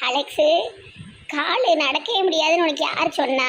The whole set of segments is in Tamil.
அலெக்ஸு, காலு நடக்கவே முடியாதுன்னு உனக்கு யார் சொன்னா?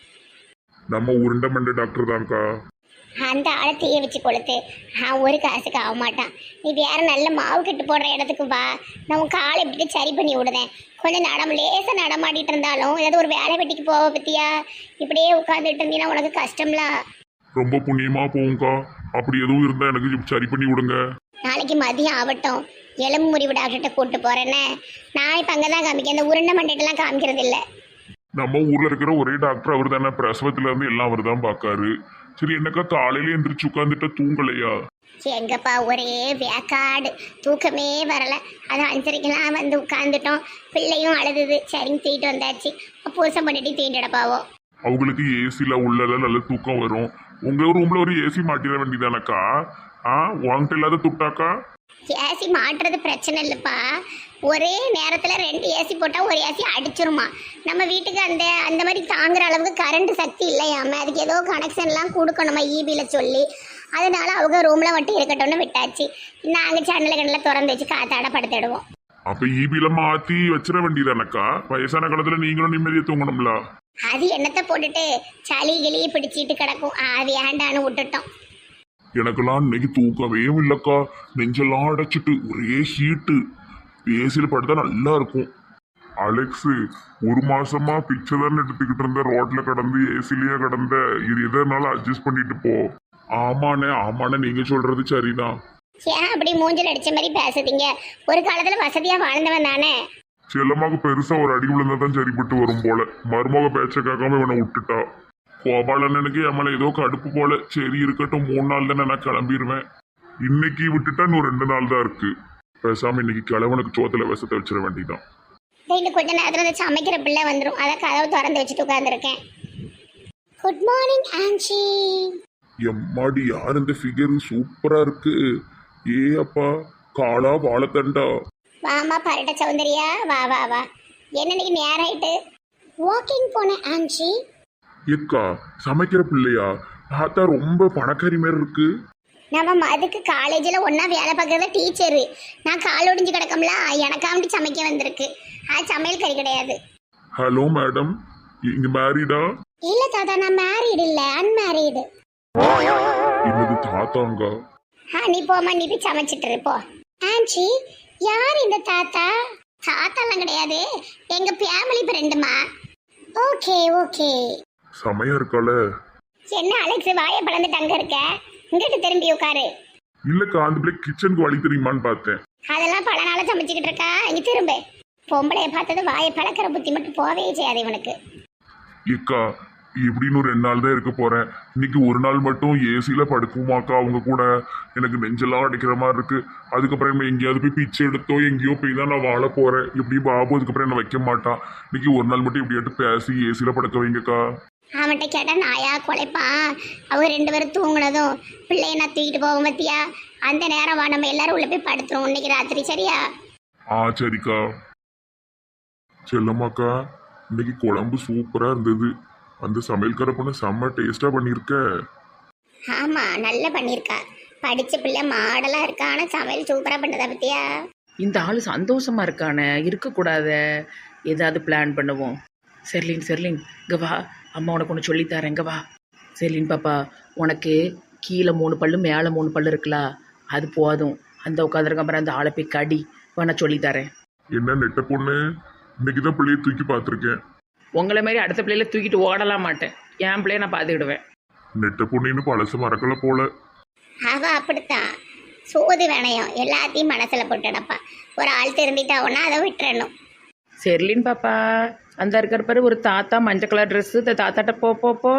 நம்ம உருண்டை மண்டை டாக்டர் தான்க்கா. அந்த ஆளை தீய வச்சு கொளுத்து. ஒரு காசுக்கு ஆக மாட்டான். நீ வேற நல்ல மாவு கட்டு போடுற இடத்துக்கு வா. நான் உன் காலை இப்படி சரி பண்ணி விடுதேன். கொஞ்சம் லேசாக நடமாடிட்டு இருந்தாலும் ஏதாவது ஒரு வேலை வெட்டிக்கு போவ பத்தியா? இப்படியே உட்காந்துட்டு இருந்தீங்கன்னா உனக்கு கஷ்டம்லாம். ரொம்ப புண்ணியமா போகும்க்கா. அப்படி எதுவும் இருந்தா எனக்கு சரி பண்ணி விடுங்க. நாளைக்கு மதியம் ஆகட்டும், எலும்பு முறிவு டாக்டர்கிட்ட கூப்பிட்டு போறேன்னு. நான் இப்போ அங்கே தான் காமிக்க, இந்த உருண்டை மண்டைட்டெல்லாம் காமிக்கிறது இல்லை. நம்ம ஊர்ல இருக்கிற ஒரே டாக்டர் அவர் தானே. பிரசவத்துல இருந்து எல்லாம் அவர் தான் பாக்காரு. சரி, என்னக்கா காலையில எந்திரிச்சு உட்காந்துட்ட தூங்கலையா? எங்கப்பா ஒரே வேக்காடு, தூக்கமே வரல. அது 5:30க்கெல்லாம் வந்து உட்காந்துட்டோம். பிள்ளையும் அழுதுது. சரிங்க தூக்கிட்டு வந்தாச்சு. பூசம் பண்ணிட்டு தூக்கிட்டுடப்பாவோ. அவங்களுக்கு ஏசில உள்ளல நல்ல தூக்கம் வரும். உங்க ரூம்ல ஒரு ஏசி மாட்டிட வேண்டியதானக்கா? உங்ககிட்ட இல்லாத துட்டாக்கா? ஏசி மாட்டுறது பிரச்சனை இல்லைப்பா. ஒரே நேரத்தில் 2 ஏசி போட்டால் ஒரு ஏசி அடிச்சிருமா. நம்ம வீட்டுக்கு அந்த அந்த மாதிரி தாங்குற அளவுக்கு கரண்ட் சக்தி இல்லையாம. அதுக்கு ஏதோ கனெக்ஷன்லாம் கொடுக்கணுமா ஈபியில் சொல்லி. அதனால அவங்க ரூமில் மட்டும் இருக்கட்டும்னு விட்டாச்சு. நாங்கள் ஜன்னலை கண்ணில் திறந்து வச்சு காத்தாட படுத்துடுவோம். அப்ப ஈபில மாத்தி வச்சிட வேண்டியதானக்கா? வயசான காலத்துல நீங்களும் நிம்மதியை தூங்கணும்ல. அது என்னத்தை போட்டுட்டு சளி கிளியை பிடிச்சிட்டு கிடக்கும். அது ஏண்டான்னு விட்டுட்டோம். எனக்கெல்லாம் இன்னைக்கு தூக்கவே இல்லக்கா. நெஞ்செல்லாம் அடைச்சிட்டு ஒரே ஹீட்டு. ஏசியில படுத்தா நல்லா இருக்கும். அலெக்ஸு, 1 மாசமா பிச்சை தானே எடுத்துக்கிட்டு இருந்த. ரோட்ல கடந்து ஏசிலேயே கடந்த. இது எதனால அட்ஜஸ்ட் பண்ணிட்டு போ. ஆமாண்ணே நீங்க சொல்றது சரிதான். ஏன் அப்படி மூஞ்சில் அடிச்ச மாதிரி பேசுறீங்க? ஒரு காலத்துல வசதியா வாழ்ந்தவன் தானே. செல்லமாக பெருசா ஒரு அடி விழுந்தாதான் சரிப்பட்டு வரும் போல. மருமக பேச்ச கேட்காம இவனை விட்டுட்டா. கோபாலண்ணனுக்கு எம்மல ஏதோ கடுப்பு போல. சரி இருக்கட்டும், 3 நாள் தானே நான் கிளம்பிடுவேன். இன்னைக்கு விட்டுட்டா இன்னும் 2 நாள் தான் இருக்கு. பேசாம இன்னைக்கு கிழவனுக்கு சோத்துல விஷத்தை வச்சிட வேண்டியதான். இன்னும் கொஞ்ச நேரத்துல சமைக்கிற பிள்ளை வந்துடும். அதை கதவு திறந்து வச்சுட்டு உட்காந்துருக்கேன். Good morning aunty. எம்மாடி, யார் இந்த ஃபிகர்? சூப்பரா இருக்கு. ஏ அப்பா, காளா வாழைத்தண்டா. வாமா பரட்ட சௌந்தரியா, வா வா வா. என்ன இன்னைக்கு நேரம் ஆயிட்டு? வாக்கிங் போனேன் ஆன்ச்சி. ஏக்கா, சமைக்கிற பிள்ளையா? பார்த்தா ரொம்ப பணக்காரி மாதிரி இருக்கு. நம்ம அதுக்கு காலேஜில் ஒன்றா வேலை பார்க்குறத டீச்சரு. நான் கால் ஒடிஞ்சு கிடக்கம்ல, எனக்காண்டி சமைக்க வந்திருக்கு. சமையல் கறி கிடையாது. ஹலோ மேடம், இங்க மேரிடா? இல்லை தாத்தா, நான் மேரீடு இல்லை, அன்மேரீடு. என்னது தாத்தாங்க? நீ போமா, நீ போய் சமைச்சிட்டு இருப்போ. ஆன்ச்சி, யார் இந்த தாத்தா? தாத்தாலாம் கிடையாது, எங்க ஃபேமிலி ஃப்ரெண்டுமா. Okay okay. சமையா இருக்கால? என்ன அலெக்ஸ், வாயை பழந்துட்டு அங்க இருக்க? இங்கிட்டு திரும்பி உட்காரு. இல்லக்கா, அந்த பிள்ளை கிச்சனுக்கு வழி தெரியுமான்னு பார்த்தேன். அதெல்லாம் பல நாளா சமைச்சுக்கிட்டு இருக்கா. இங்க திரும்ப. பொம்பளைய பார்த்தது வாயை பழக்கிற புத்தி மட்டும் போவே செய்யாது இவனுக்கு. ஏக்கா, எப்படின்னு ஒரு 2 நாள் தான் இருக்க போறேன். இன்னைக்கு ஒரு நாள் மட்டும் ஏசியில படுக்குமாக்கா அவங்க கூட? எனக்கு நெஞ்செல்லாம் அடிக்கிற மாதிரி இருக்கு. அதுக்கப்புறம் எங்கேயாவது போய் பிச்சை எடுத்தோ எங்கேயோ போய் தான் நான் வாழ போறேன். எப்படி பாபு அதுக்கப்புறம் என்ன வைக்க மாட்டான். இன்னைக்கு ஒரு நாள் மட்டும் எப்படியாட்டு பேசி ஏசியில படுக்க வைங்கக்கா. அவன்கிட்ட கேட்டா நாயா குலைப்பான். அவங்க 2 பேரும் தூங்குனதும் பிள்ளைய நான் தூக்கிட்டு போவோம் பத்தியா. அந்த நேரம் வா, நம்ம எல்லாரும் உள்ள போய் படுத்துருவோம் இன்னைக்கு ராத்திரி, சரியா? சரிக்கா. செல்லம்மாக்கா, இன்னைக்கு குழம்பு சூப்பரா இருந்தது. அந்த சமையல்கார பொண்ணு செம்ம டேஸ்டா பண்ணிருக்க. ஆமா, நல்லா பண்ணிருக்கா. படிச்ச பிள்ளை மாடலா இருக்கா. ஆனா சமையல் சூப்பரா பண்ணதா பத்தியா. இந்த ஆள் சந்தோஷமா இருக்கானே, இருக்கக்கூடாத. ஏதாவது பிளான் பண்ணுவோம். செர்லின் இங்கே வா, அம்மா உனக்கு ஒன்று சொல்லித்தரேன். இங்கே வா செர்லின் பாப்பா, உனக்கு கீழே 3 பல்லு மேலே 3 பல்லு இருக்குல்ல, அது போதும். அந்த உட்காந்துருக்க அப்புறம் அந்த ஆளை போய் கடி, நான் சொல்லித்தரேன். என்ன நெட்ட பொண்ணு, இன்னைக்கு தான் பிள்ளைய தூக்கி பார்த்துருக்கேன். உங்களை மாதிரி அடுத்த பிள்ளையில தூக்கிட்டு ஓடலாம் மாட்டேன். என் பிள்ளைய நான் பார்த்துக்கிடுவேன். நெட்ட பொண்ணுன்னு பழசு மறக்கல போல. அவ அப்படித்தான். சோது வேணையும் எல்லாத்தையும் மனசுல போட்டுடப்பா. ஒரு ஆள் திரும்பிட்டாவோன்னா அதை விட்டுறணும். செர்லின் பாப்பா, அந்த இருக்கிற பாரு ஒரு தாத்தா மஞ்சள் கலர் ட்ரெஸ்ஸு. தாத்தாட்ட போ போ போ.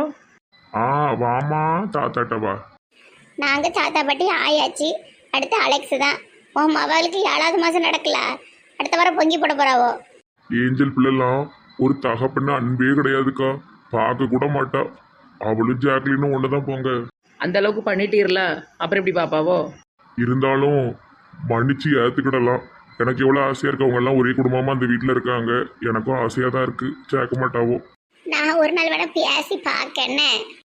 வாமா தாத்தாட்ட வா. நாங்க தாத்தா பாட்டி ஆயாச்சு. அடுத்து அலெக்ஸ் தான். உன் மகளுக்கு 7வது மாசம் நடக்கல, அடுத்த வாரம் பொங்கி போட போறாவோ. ஏஞ்சல் பிள்ளைலாம் ஒரு தகப்பன்னு அன்பே கிடையாதுக்கா. பார்க்க கூட மாட்டா. அவளும் ஜாக்லினும் ஒண்ணுதான் போங்க. அந்த அளவுக்கு பண்ணிட்டீர்ல, அப்புறம் எப்படி பாப்பாவோ? இருந்தாலும் மன்னிச்சு ஏத்துக்கிடலாம். எனக்கு எவ்வளவு ஆசையா இருக்கு. அவங்க எல்லாம் ஒரே குடும்பமா அந்த வீட்டுல இருக்காங்க. எனக்கும் ஆசையா தான் இருக்கு. சேர்க்க மாட்டாவோ. நான் ஒரு நாள் வேணா பேசி பார்க்கன்னு.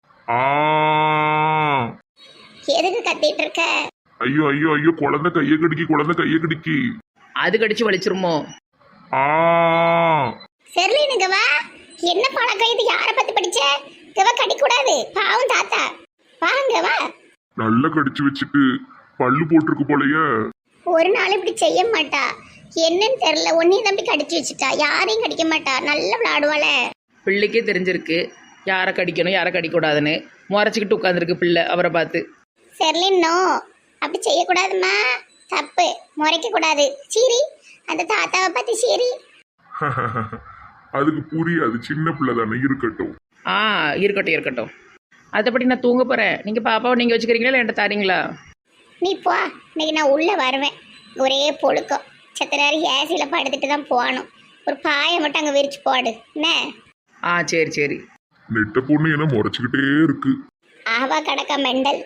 எதுக்கு கத்திட்டு இருக்க? ஐயோ ஐயோ ஐயோ, குழந்தை கையை கடிக்கி. அது கடிச்சு வலிச்சிருமோ? ஆ செர்லின் இங்க வா. என்ன பழக்கம் இது? யாரை பத்தி படிச்ச? இவ கடிக்கூடாது, பாவம் தாத்தா. வாங்க வா. நல்லா கடிச்சு வச்சுட்டு பல்லு போட்டிருக்கு போலயே. ஒரு நாள் இப்படி செய்ய மாட்டா. என்னன்னு தெரியல, ஒன்னையும் தம்பி கடிச்சு வச்சுட்டா. யாரையும் கடிக்க மாட்டா, நல்லா விளையாடுவாள. பிள்ளைக்கே தெரிஞ்சிருக்கு யாரை கடிக்கணும் யாரை கடிக்கூடாதுன்னு. முறைச்சிக்கிட்டு உட்காந்துருக்கு பிள்ளை அவரை பார்த்து. செர்லின் நோ, அப்படி செய்யக்கூடாதுமா, தப்பு. முறைக்க கூடாது. சீரி, அந்த தாத்தாவை பத்தி சீரி. அதுக்கு புரியாது, சின்ன பிள்ளை தானே, இருக்கட்டும். ஆ இருக்கட்டும் இருக்கட்டும். அதைப்படி நான் தூங்க போகிறேன். நீங்கள் பாப்பாவை நீங்கள் வச்சுக்கிறீங்களா இல்லை என்கிட்ட தாரீங்களா? நீ போ, இன்னைக்கு நான் உள்ள வருவேன். ஒரே பொழுக்கம். செத்த நேரம் ஏசியில் படுத்துட்டு தான் போகணும். ஒரு பாயை மட்டும் அங்கே விரிச்சு போடு என்ன. ஆ சரி சரி. நெட்ட பொண்ணு என்ன முறைச்சுக்கிட்டே இருக்கு. ஆவா கடக்கா மெண்டல்.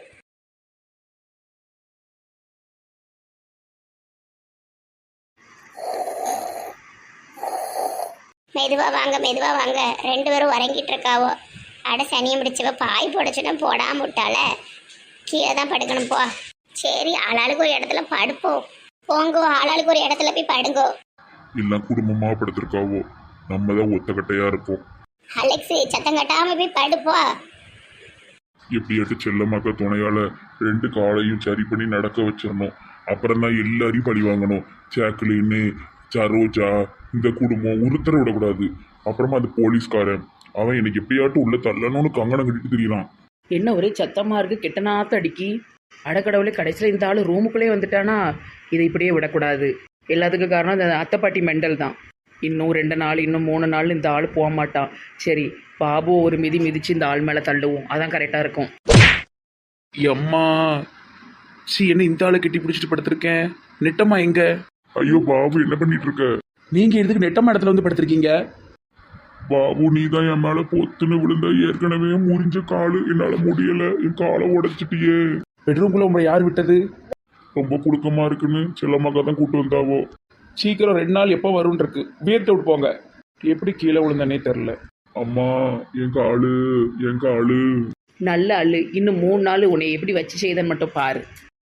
மெதுவா வாங்க, மெதுவா வாங்க. 2 பேரும் உறங்கிட்டு இருக்காவோ. அட சனியை முடிச்சவ பாய் போடச்சுன்னா போடாம விட்டால. கீழே தான் படுக்கணும் போ. சரி, ஆளாளுக்கு ஒரு இடத்துல படுப்போம். போங்கோ, ஆளாளுக்கு ஒரு இடத்துல போய் படுங்கோ. எல்லாம் குடும்பமா படுத்திருக்காவோ, நம்ம தான் ஒத்தக்கட்டையா இருப்போம். அலெக்ஸ், சத்தம் கட்டாம போய் படுப்போ. எப்படியாட்டு செல்லமாக்க துணையால 2 காலையும் சரி பண்ணி நடக்க வச்சிடணும். அப்புறம் தான் எல்லாரையும் பழி வாங்கணும். சாக்லின்னு, சரோஜா, இந்த குடும்பம் ஒருத்தர விடக்கூடாது. அப்புறமா அந்த போலீஸ்காரன் அவன் எனக்கு எப்படியாட்டும் உள்ள தள்ளணும்னு கங்கணம் கட்டிட்டு தெரியலாம். என்ன ஒரே சத்தமாக இருக்குது, கெட்ட நாத்த அடிக்கி. அடக்கடவுளே, கடைசியில் இந்த ஆள் ரூமுக்குள்ளே வந்துட்டானா இதை இப்படியே விடக்கூடாது. எல்லாத்துக்கும் காரணம் இந்த அத்தை பாட்டி மெண்டல் தான். இன்னும் 2 நாள், இன்னும் 3 நாள் இந்த ஆள் போக மாட்டான். சரி, பாபு ஒரு மிதி மிதிச்சு இந்த ஆள் மேலே தள்ளுவோம், அதான் கரெக்டாக இருக்கும். எம்மா சி என்ன இந்த ஆளை கட்டி பிடிச்சிட்டு படுத்திருக்கேன். நெட்டம்மா எங்க? ஐயோ பாபு, என்ன பண்ணிட்டு இருக்க? நீங்க எதுக்கு நெட்டம்மா இடத்துல வந்து படுத்திருக்கீங்க? பாபு, நீ தான் என் மேல பொத்துன்னு விழுந்த. ஏற்கனவே முறிஞ்ச காலு, என்னால முடியல. என் காலை உடைச்சிட்டியே. பெட்ரூம்குள்ள உங்களை யார் விட்டது? ரொம்ப புழுக்கமா இருக்குன்னு செல்லம்மாக்கா தான் கூட்டு வந்தாவோ. சீக்கிரம் 2 நாள் எப்போ வரும்னு இருக்கு. வேர்த்து விட்டு போங்க. எப்படி கீழே விழுந்தனே தெரில. அம்மா, என் காலு, என் காலு. நல்ல ஆள். இன்னும் 3 நாள் உன்னை எப்படி வச்சு செய்தன்னு மட்டும் பாரு.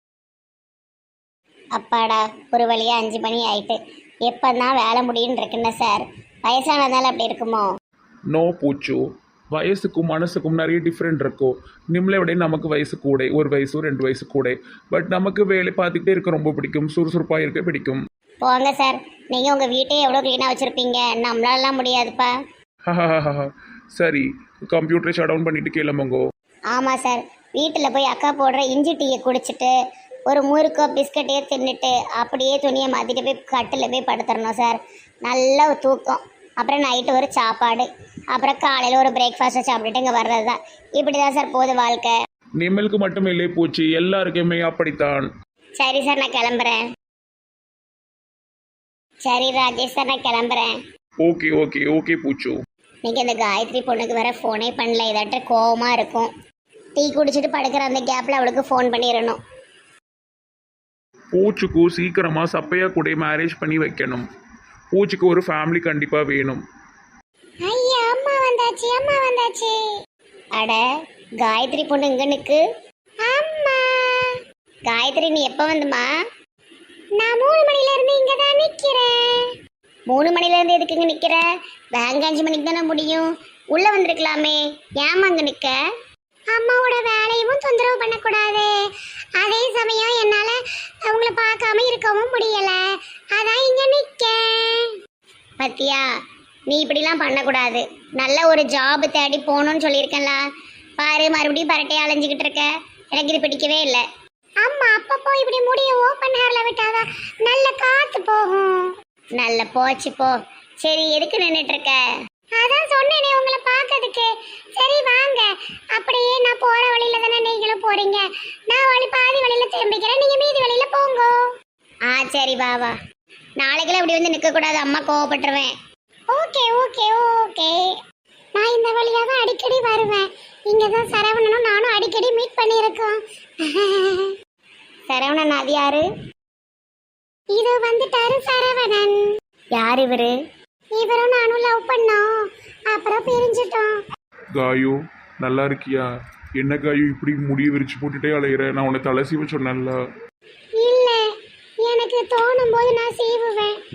அப்பாடா, ஒரு வழியா 5 மணி ஆயிட்டு. எப்பதான் வேலை முடியும்னு இருக்குன்னு சார். வயசானதால அப்படி இருக்குமோ? நோ பூச்சு, வயசுக்கும் மனசுக்கும் நிறைய டிஃப்ரெண்ட் இருக்கும். நிம்மளை விட நமக்கு வயசு கூட, 1 வயசு 2 வயசு கூட. பட் நமக்கு வேலை பார்த்துக்கிட்டே இருக்க ரொம்ப பிடிக்கும். சுறுசுறுப்பாக இருக்க பிடிக்கும். போங்க சார், நீங்க உங்க வீட்டையே எவ்வளோ க்ளீனாக வச்சிருப்பீங்க. நம்மளாலாம் முடியாதுப்பா. சரி, கம்ப்யூட்டரை ஷட் டவுன் பண்ணிட்டு கிளம்புங்கோ. ஆமாம் சார், வீட்டில் போய் அக்கா போடுற இஞ்சி டீயை குடிச்சிட்டு ஒரு முறுக்கோ பிஸ்கட்டையோ தின்னுட்டு அப்படியே துணியை மாற்றிட்டு போய் கட்டில் போய் படுத்துடணும் சார். நல்ல ஒரு தூக்கம். அப்புறம் நைட்டு ஒரு சாப்பாடு. அப்புறம் காலையில் ஒரு பிரேக்ஃபாஸ்ட்டை சாப்பிட்டுட்டு இங்கே வர்றது தான். இப்படி தான் சார் போகுது வாழ்க்கை. நிம்மலுக்கு மட்டும் இல்லை பூச்சி, எல்லாருக்குமே அப்படித்தான். சரி சார், நான் கிளம்புறேன். சரி ராஜேஷ் சார், நான் கிளம்புறேன். ஓகே ஓகே ஓகே பூச்சு. நீங்கள் இந்த காயத்ரி பொண்ணுக்கு வேற ஃபோனே பண்ணல. இதாட்ட கோவமாக இருக்கும். டீ குடிச்சிட்டு படுக்கிற அந்த கேப்பில் அவளுக்கு ஃபோன் பண்ணிடணும். பூச்சுக்கு சீக்கிரமாக சப்பையா கூட மேரேஜ் பண்ணி வைக்கணும். பூச்சிக்கு ஒரு ஃபேமிலி கண்டிப்பாக வேணும். ஐயா, அம்மா வந்தாச்சு, அம்மா வந்தாச்சு. அட, காயத்ரி பொண்ணு இங்க நிக்கு. அம்மா காயத்ரி, நீ எப்போ வந்துமா? நான் 3 மணில இருந்து இங்க தான் நிக்கிறேன். 3 மணில இருந்து எதுக்கு இங்க நிக்கிற? பேங்க் 5 மணிக்கு தானே முடியும். உள்ள வந்திருக்கலாமே, ஏமா அங்க நிக்க? அம்மாவோட வேலையும் தொந்தரவு பண்ணக்கூடாது. அதே சமயம் என்னால அவங்கள பார்க்காம இருக்கவும் முடியல. அதான் இங்க நிக்கேன். பத்தியா, நீ இப்படிலாம் பண்ணக்கூடாது. நல்ல ஒரு ஜாப் தேடி போகணும்னு சொல்லியிருக்கேன்ல. பாரு, மறுபடியும் பரட்டையை அலைஞ்சிக்கிட்டு இருக்க. எனக்கு இது பிடிக்கவே இல்லை. அம்மா, அப்பப்போ இப்படி முடிய ஓப்பன் ஹேர்ல விட்டாதான் நல்ல காத்து போகும். நல்ல போச்சு போ. சரி, எதுக்கு நின்றுட்டு இருக்க? அதான் சொன்னேனே உங்களை பார்க்கறதுக்கு. சரி வாங்க, அப்படியே நான் போற வழியில தானே நீங்களும் போறீங்க. நான் பாதி வழியில திரும்பிக்கிறேன், நீங்க மீதி வழியில போங்க. ஆ சரி, வா. நாளைக்கெல்லாம் இப்படி வந்து நிற்க கூடாது, அம்மா கோவப்பட்டுருவேன். Okay okay okay. நான் இந்த வழியா தான் அடிக்கடி வருவேன். இங்க தான் சரவணனும் நானும் அடிக்கடி மீட் பண்ணியிருக்கோம். சரவணன் அது யாரு? இது வந்துட்டாரு சரவணன். யார் இவரு? இவரும் நானும் லவ் பண்ணோம், அப்புறம் பிரிஞ்சிட்டோம். காயு, நல்லா இருக்கியா? என்ன காயு இப்படி முடிய விரிச்சு போட்டுட்டே அலையிற? நான் உன்னை தலை சீவ சொன்னேன்ல. இல்ல, எனக்கு தோணும் போது நான் சீவுவேன். நீங்க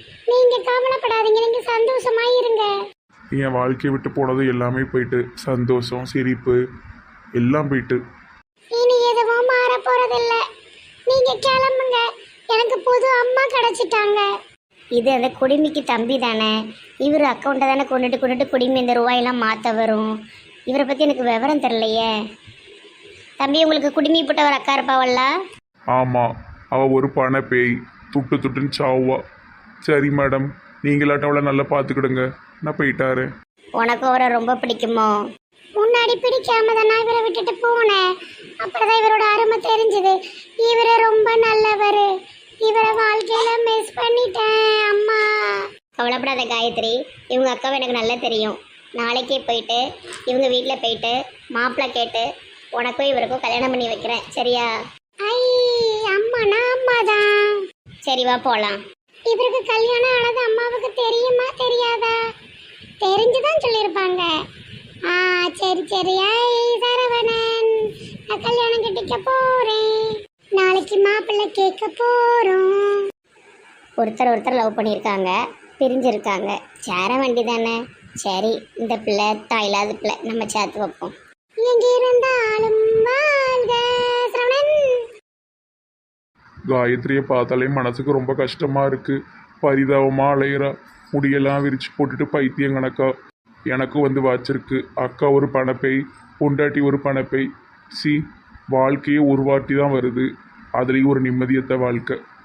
நீங்க கவலைப்படாதீங்க, நீங்க சந்தோஷமா இருங்க. என் வாழ்க்கையை விட்டு போனது எல்லாமே போயிட்டு, சந்தோஷம் சிரிப்பு எல்லாம் போயிட்டு. இனி எதுவும் மாற போறதில்ல. நீங்க கிளம்புங்க, எனக்கு புது அம்மா கிடைச்சிட்டாங்க. இது அந்த குடிமிக்கு தம்பி தானே, இவர் அக்கௌண்ட்டை தானே கொண்டுட்டு குடிமி இந்த ரூபாயெல்லாம் மாற்ற வரும். இவரை பற்றி எனக்கு விவரம் தெரியலையே. தம்பி, உங்களுக்கு குடிமி போட்ட ஒரு அக்கா இருப்பாவல்ல? ஆமாம், அவள் ஒரு பண பேய், துட்டுன்னு சாவா. சரி மேடம், நீங்களாட்ட அவளை நல்லா பார்த்துக்கிடுங்க, நான் போயிட்டாரு. உனக்கு அவரை ரொம்ப பிடிக்குமோ? முன்னாடி பிடிக்காம தான் நான் இவரை விட்டுட்டு போனேன். அப்பதான் இவரோட அருமை தெரிஞ்சது. இவரை ரொம்ப நல்லவர். இவரை வாழ்க்கையில மிஸ் பண்ணிட்டேன் அம்மா. கவலைப்படாத காயத்ரி, இவங்க அக்காவை எனக்கு நல்லா தெரியும். நாளைக்கே போயிட்டு இவங்க வீட்டில் போயிட்டு மாப்பிள்ளை கேட்டு உனக்கும் இவருக்கும் கல்யாணம் பண்ணி வைக்கிறேன், சரியா? ஐ அம்மா, நான் அம்மா தான். சரி வா போகலாம். இவருக்கு கல்யாணம் ஆனது அம்மாவுக்கு தெரியுமா தெரியாதா? தெரிஞ்சுதான் சொல்லியிருப்பாங்க. சரி சரி. ஐ சரவணன், நான் கல்யாணம் கட்டிக்க போறேன். நாளைக்கு மாப்பிள்ளை கேட்க போறோம். ஒருத்தர் லவ் பண்ணியிருக்காங்க, பிரிஞ்சிருக்காங்க. சேர வண்டி தானே. சரி, இந்த பிள்ளை தாயில்லாத பிள்ளை, நம்ம சேர்த்து வைப்போம். எங்க இருந்தாலும் வாழ்க சரவணன். காயத்ரியை பார்த்தாலே மனசுக்கு ரொம்ப கஷ்டமாக இருக்குது. பரிதாபமாக அலையிறா, முடியெல்லாம் விரிச்சு போட்டுட்டு பைத்தியம் கணக்கா. எனக்கும் வந்து வாச்சிருக்கு. அக்கா ஒரு பணப்பை, பொண்டாட்டி ஒரு பணப்பை. வாழ்க்கையே ஒரு வாட்டி தான் வருது, அதுலேயும் ஒரு நிம்மதியற்ற வாழ்க்கை.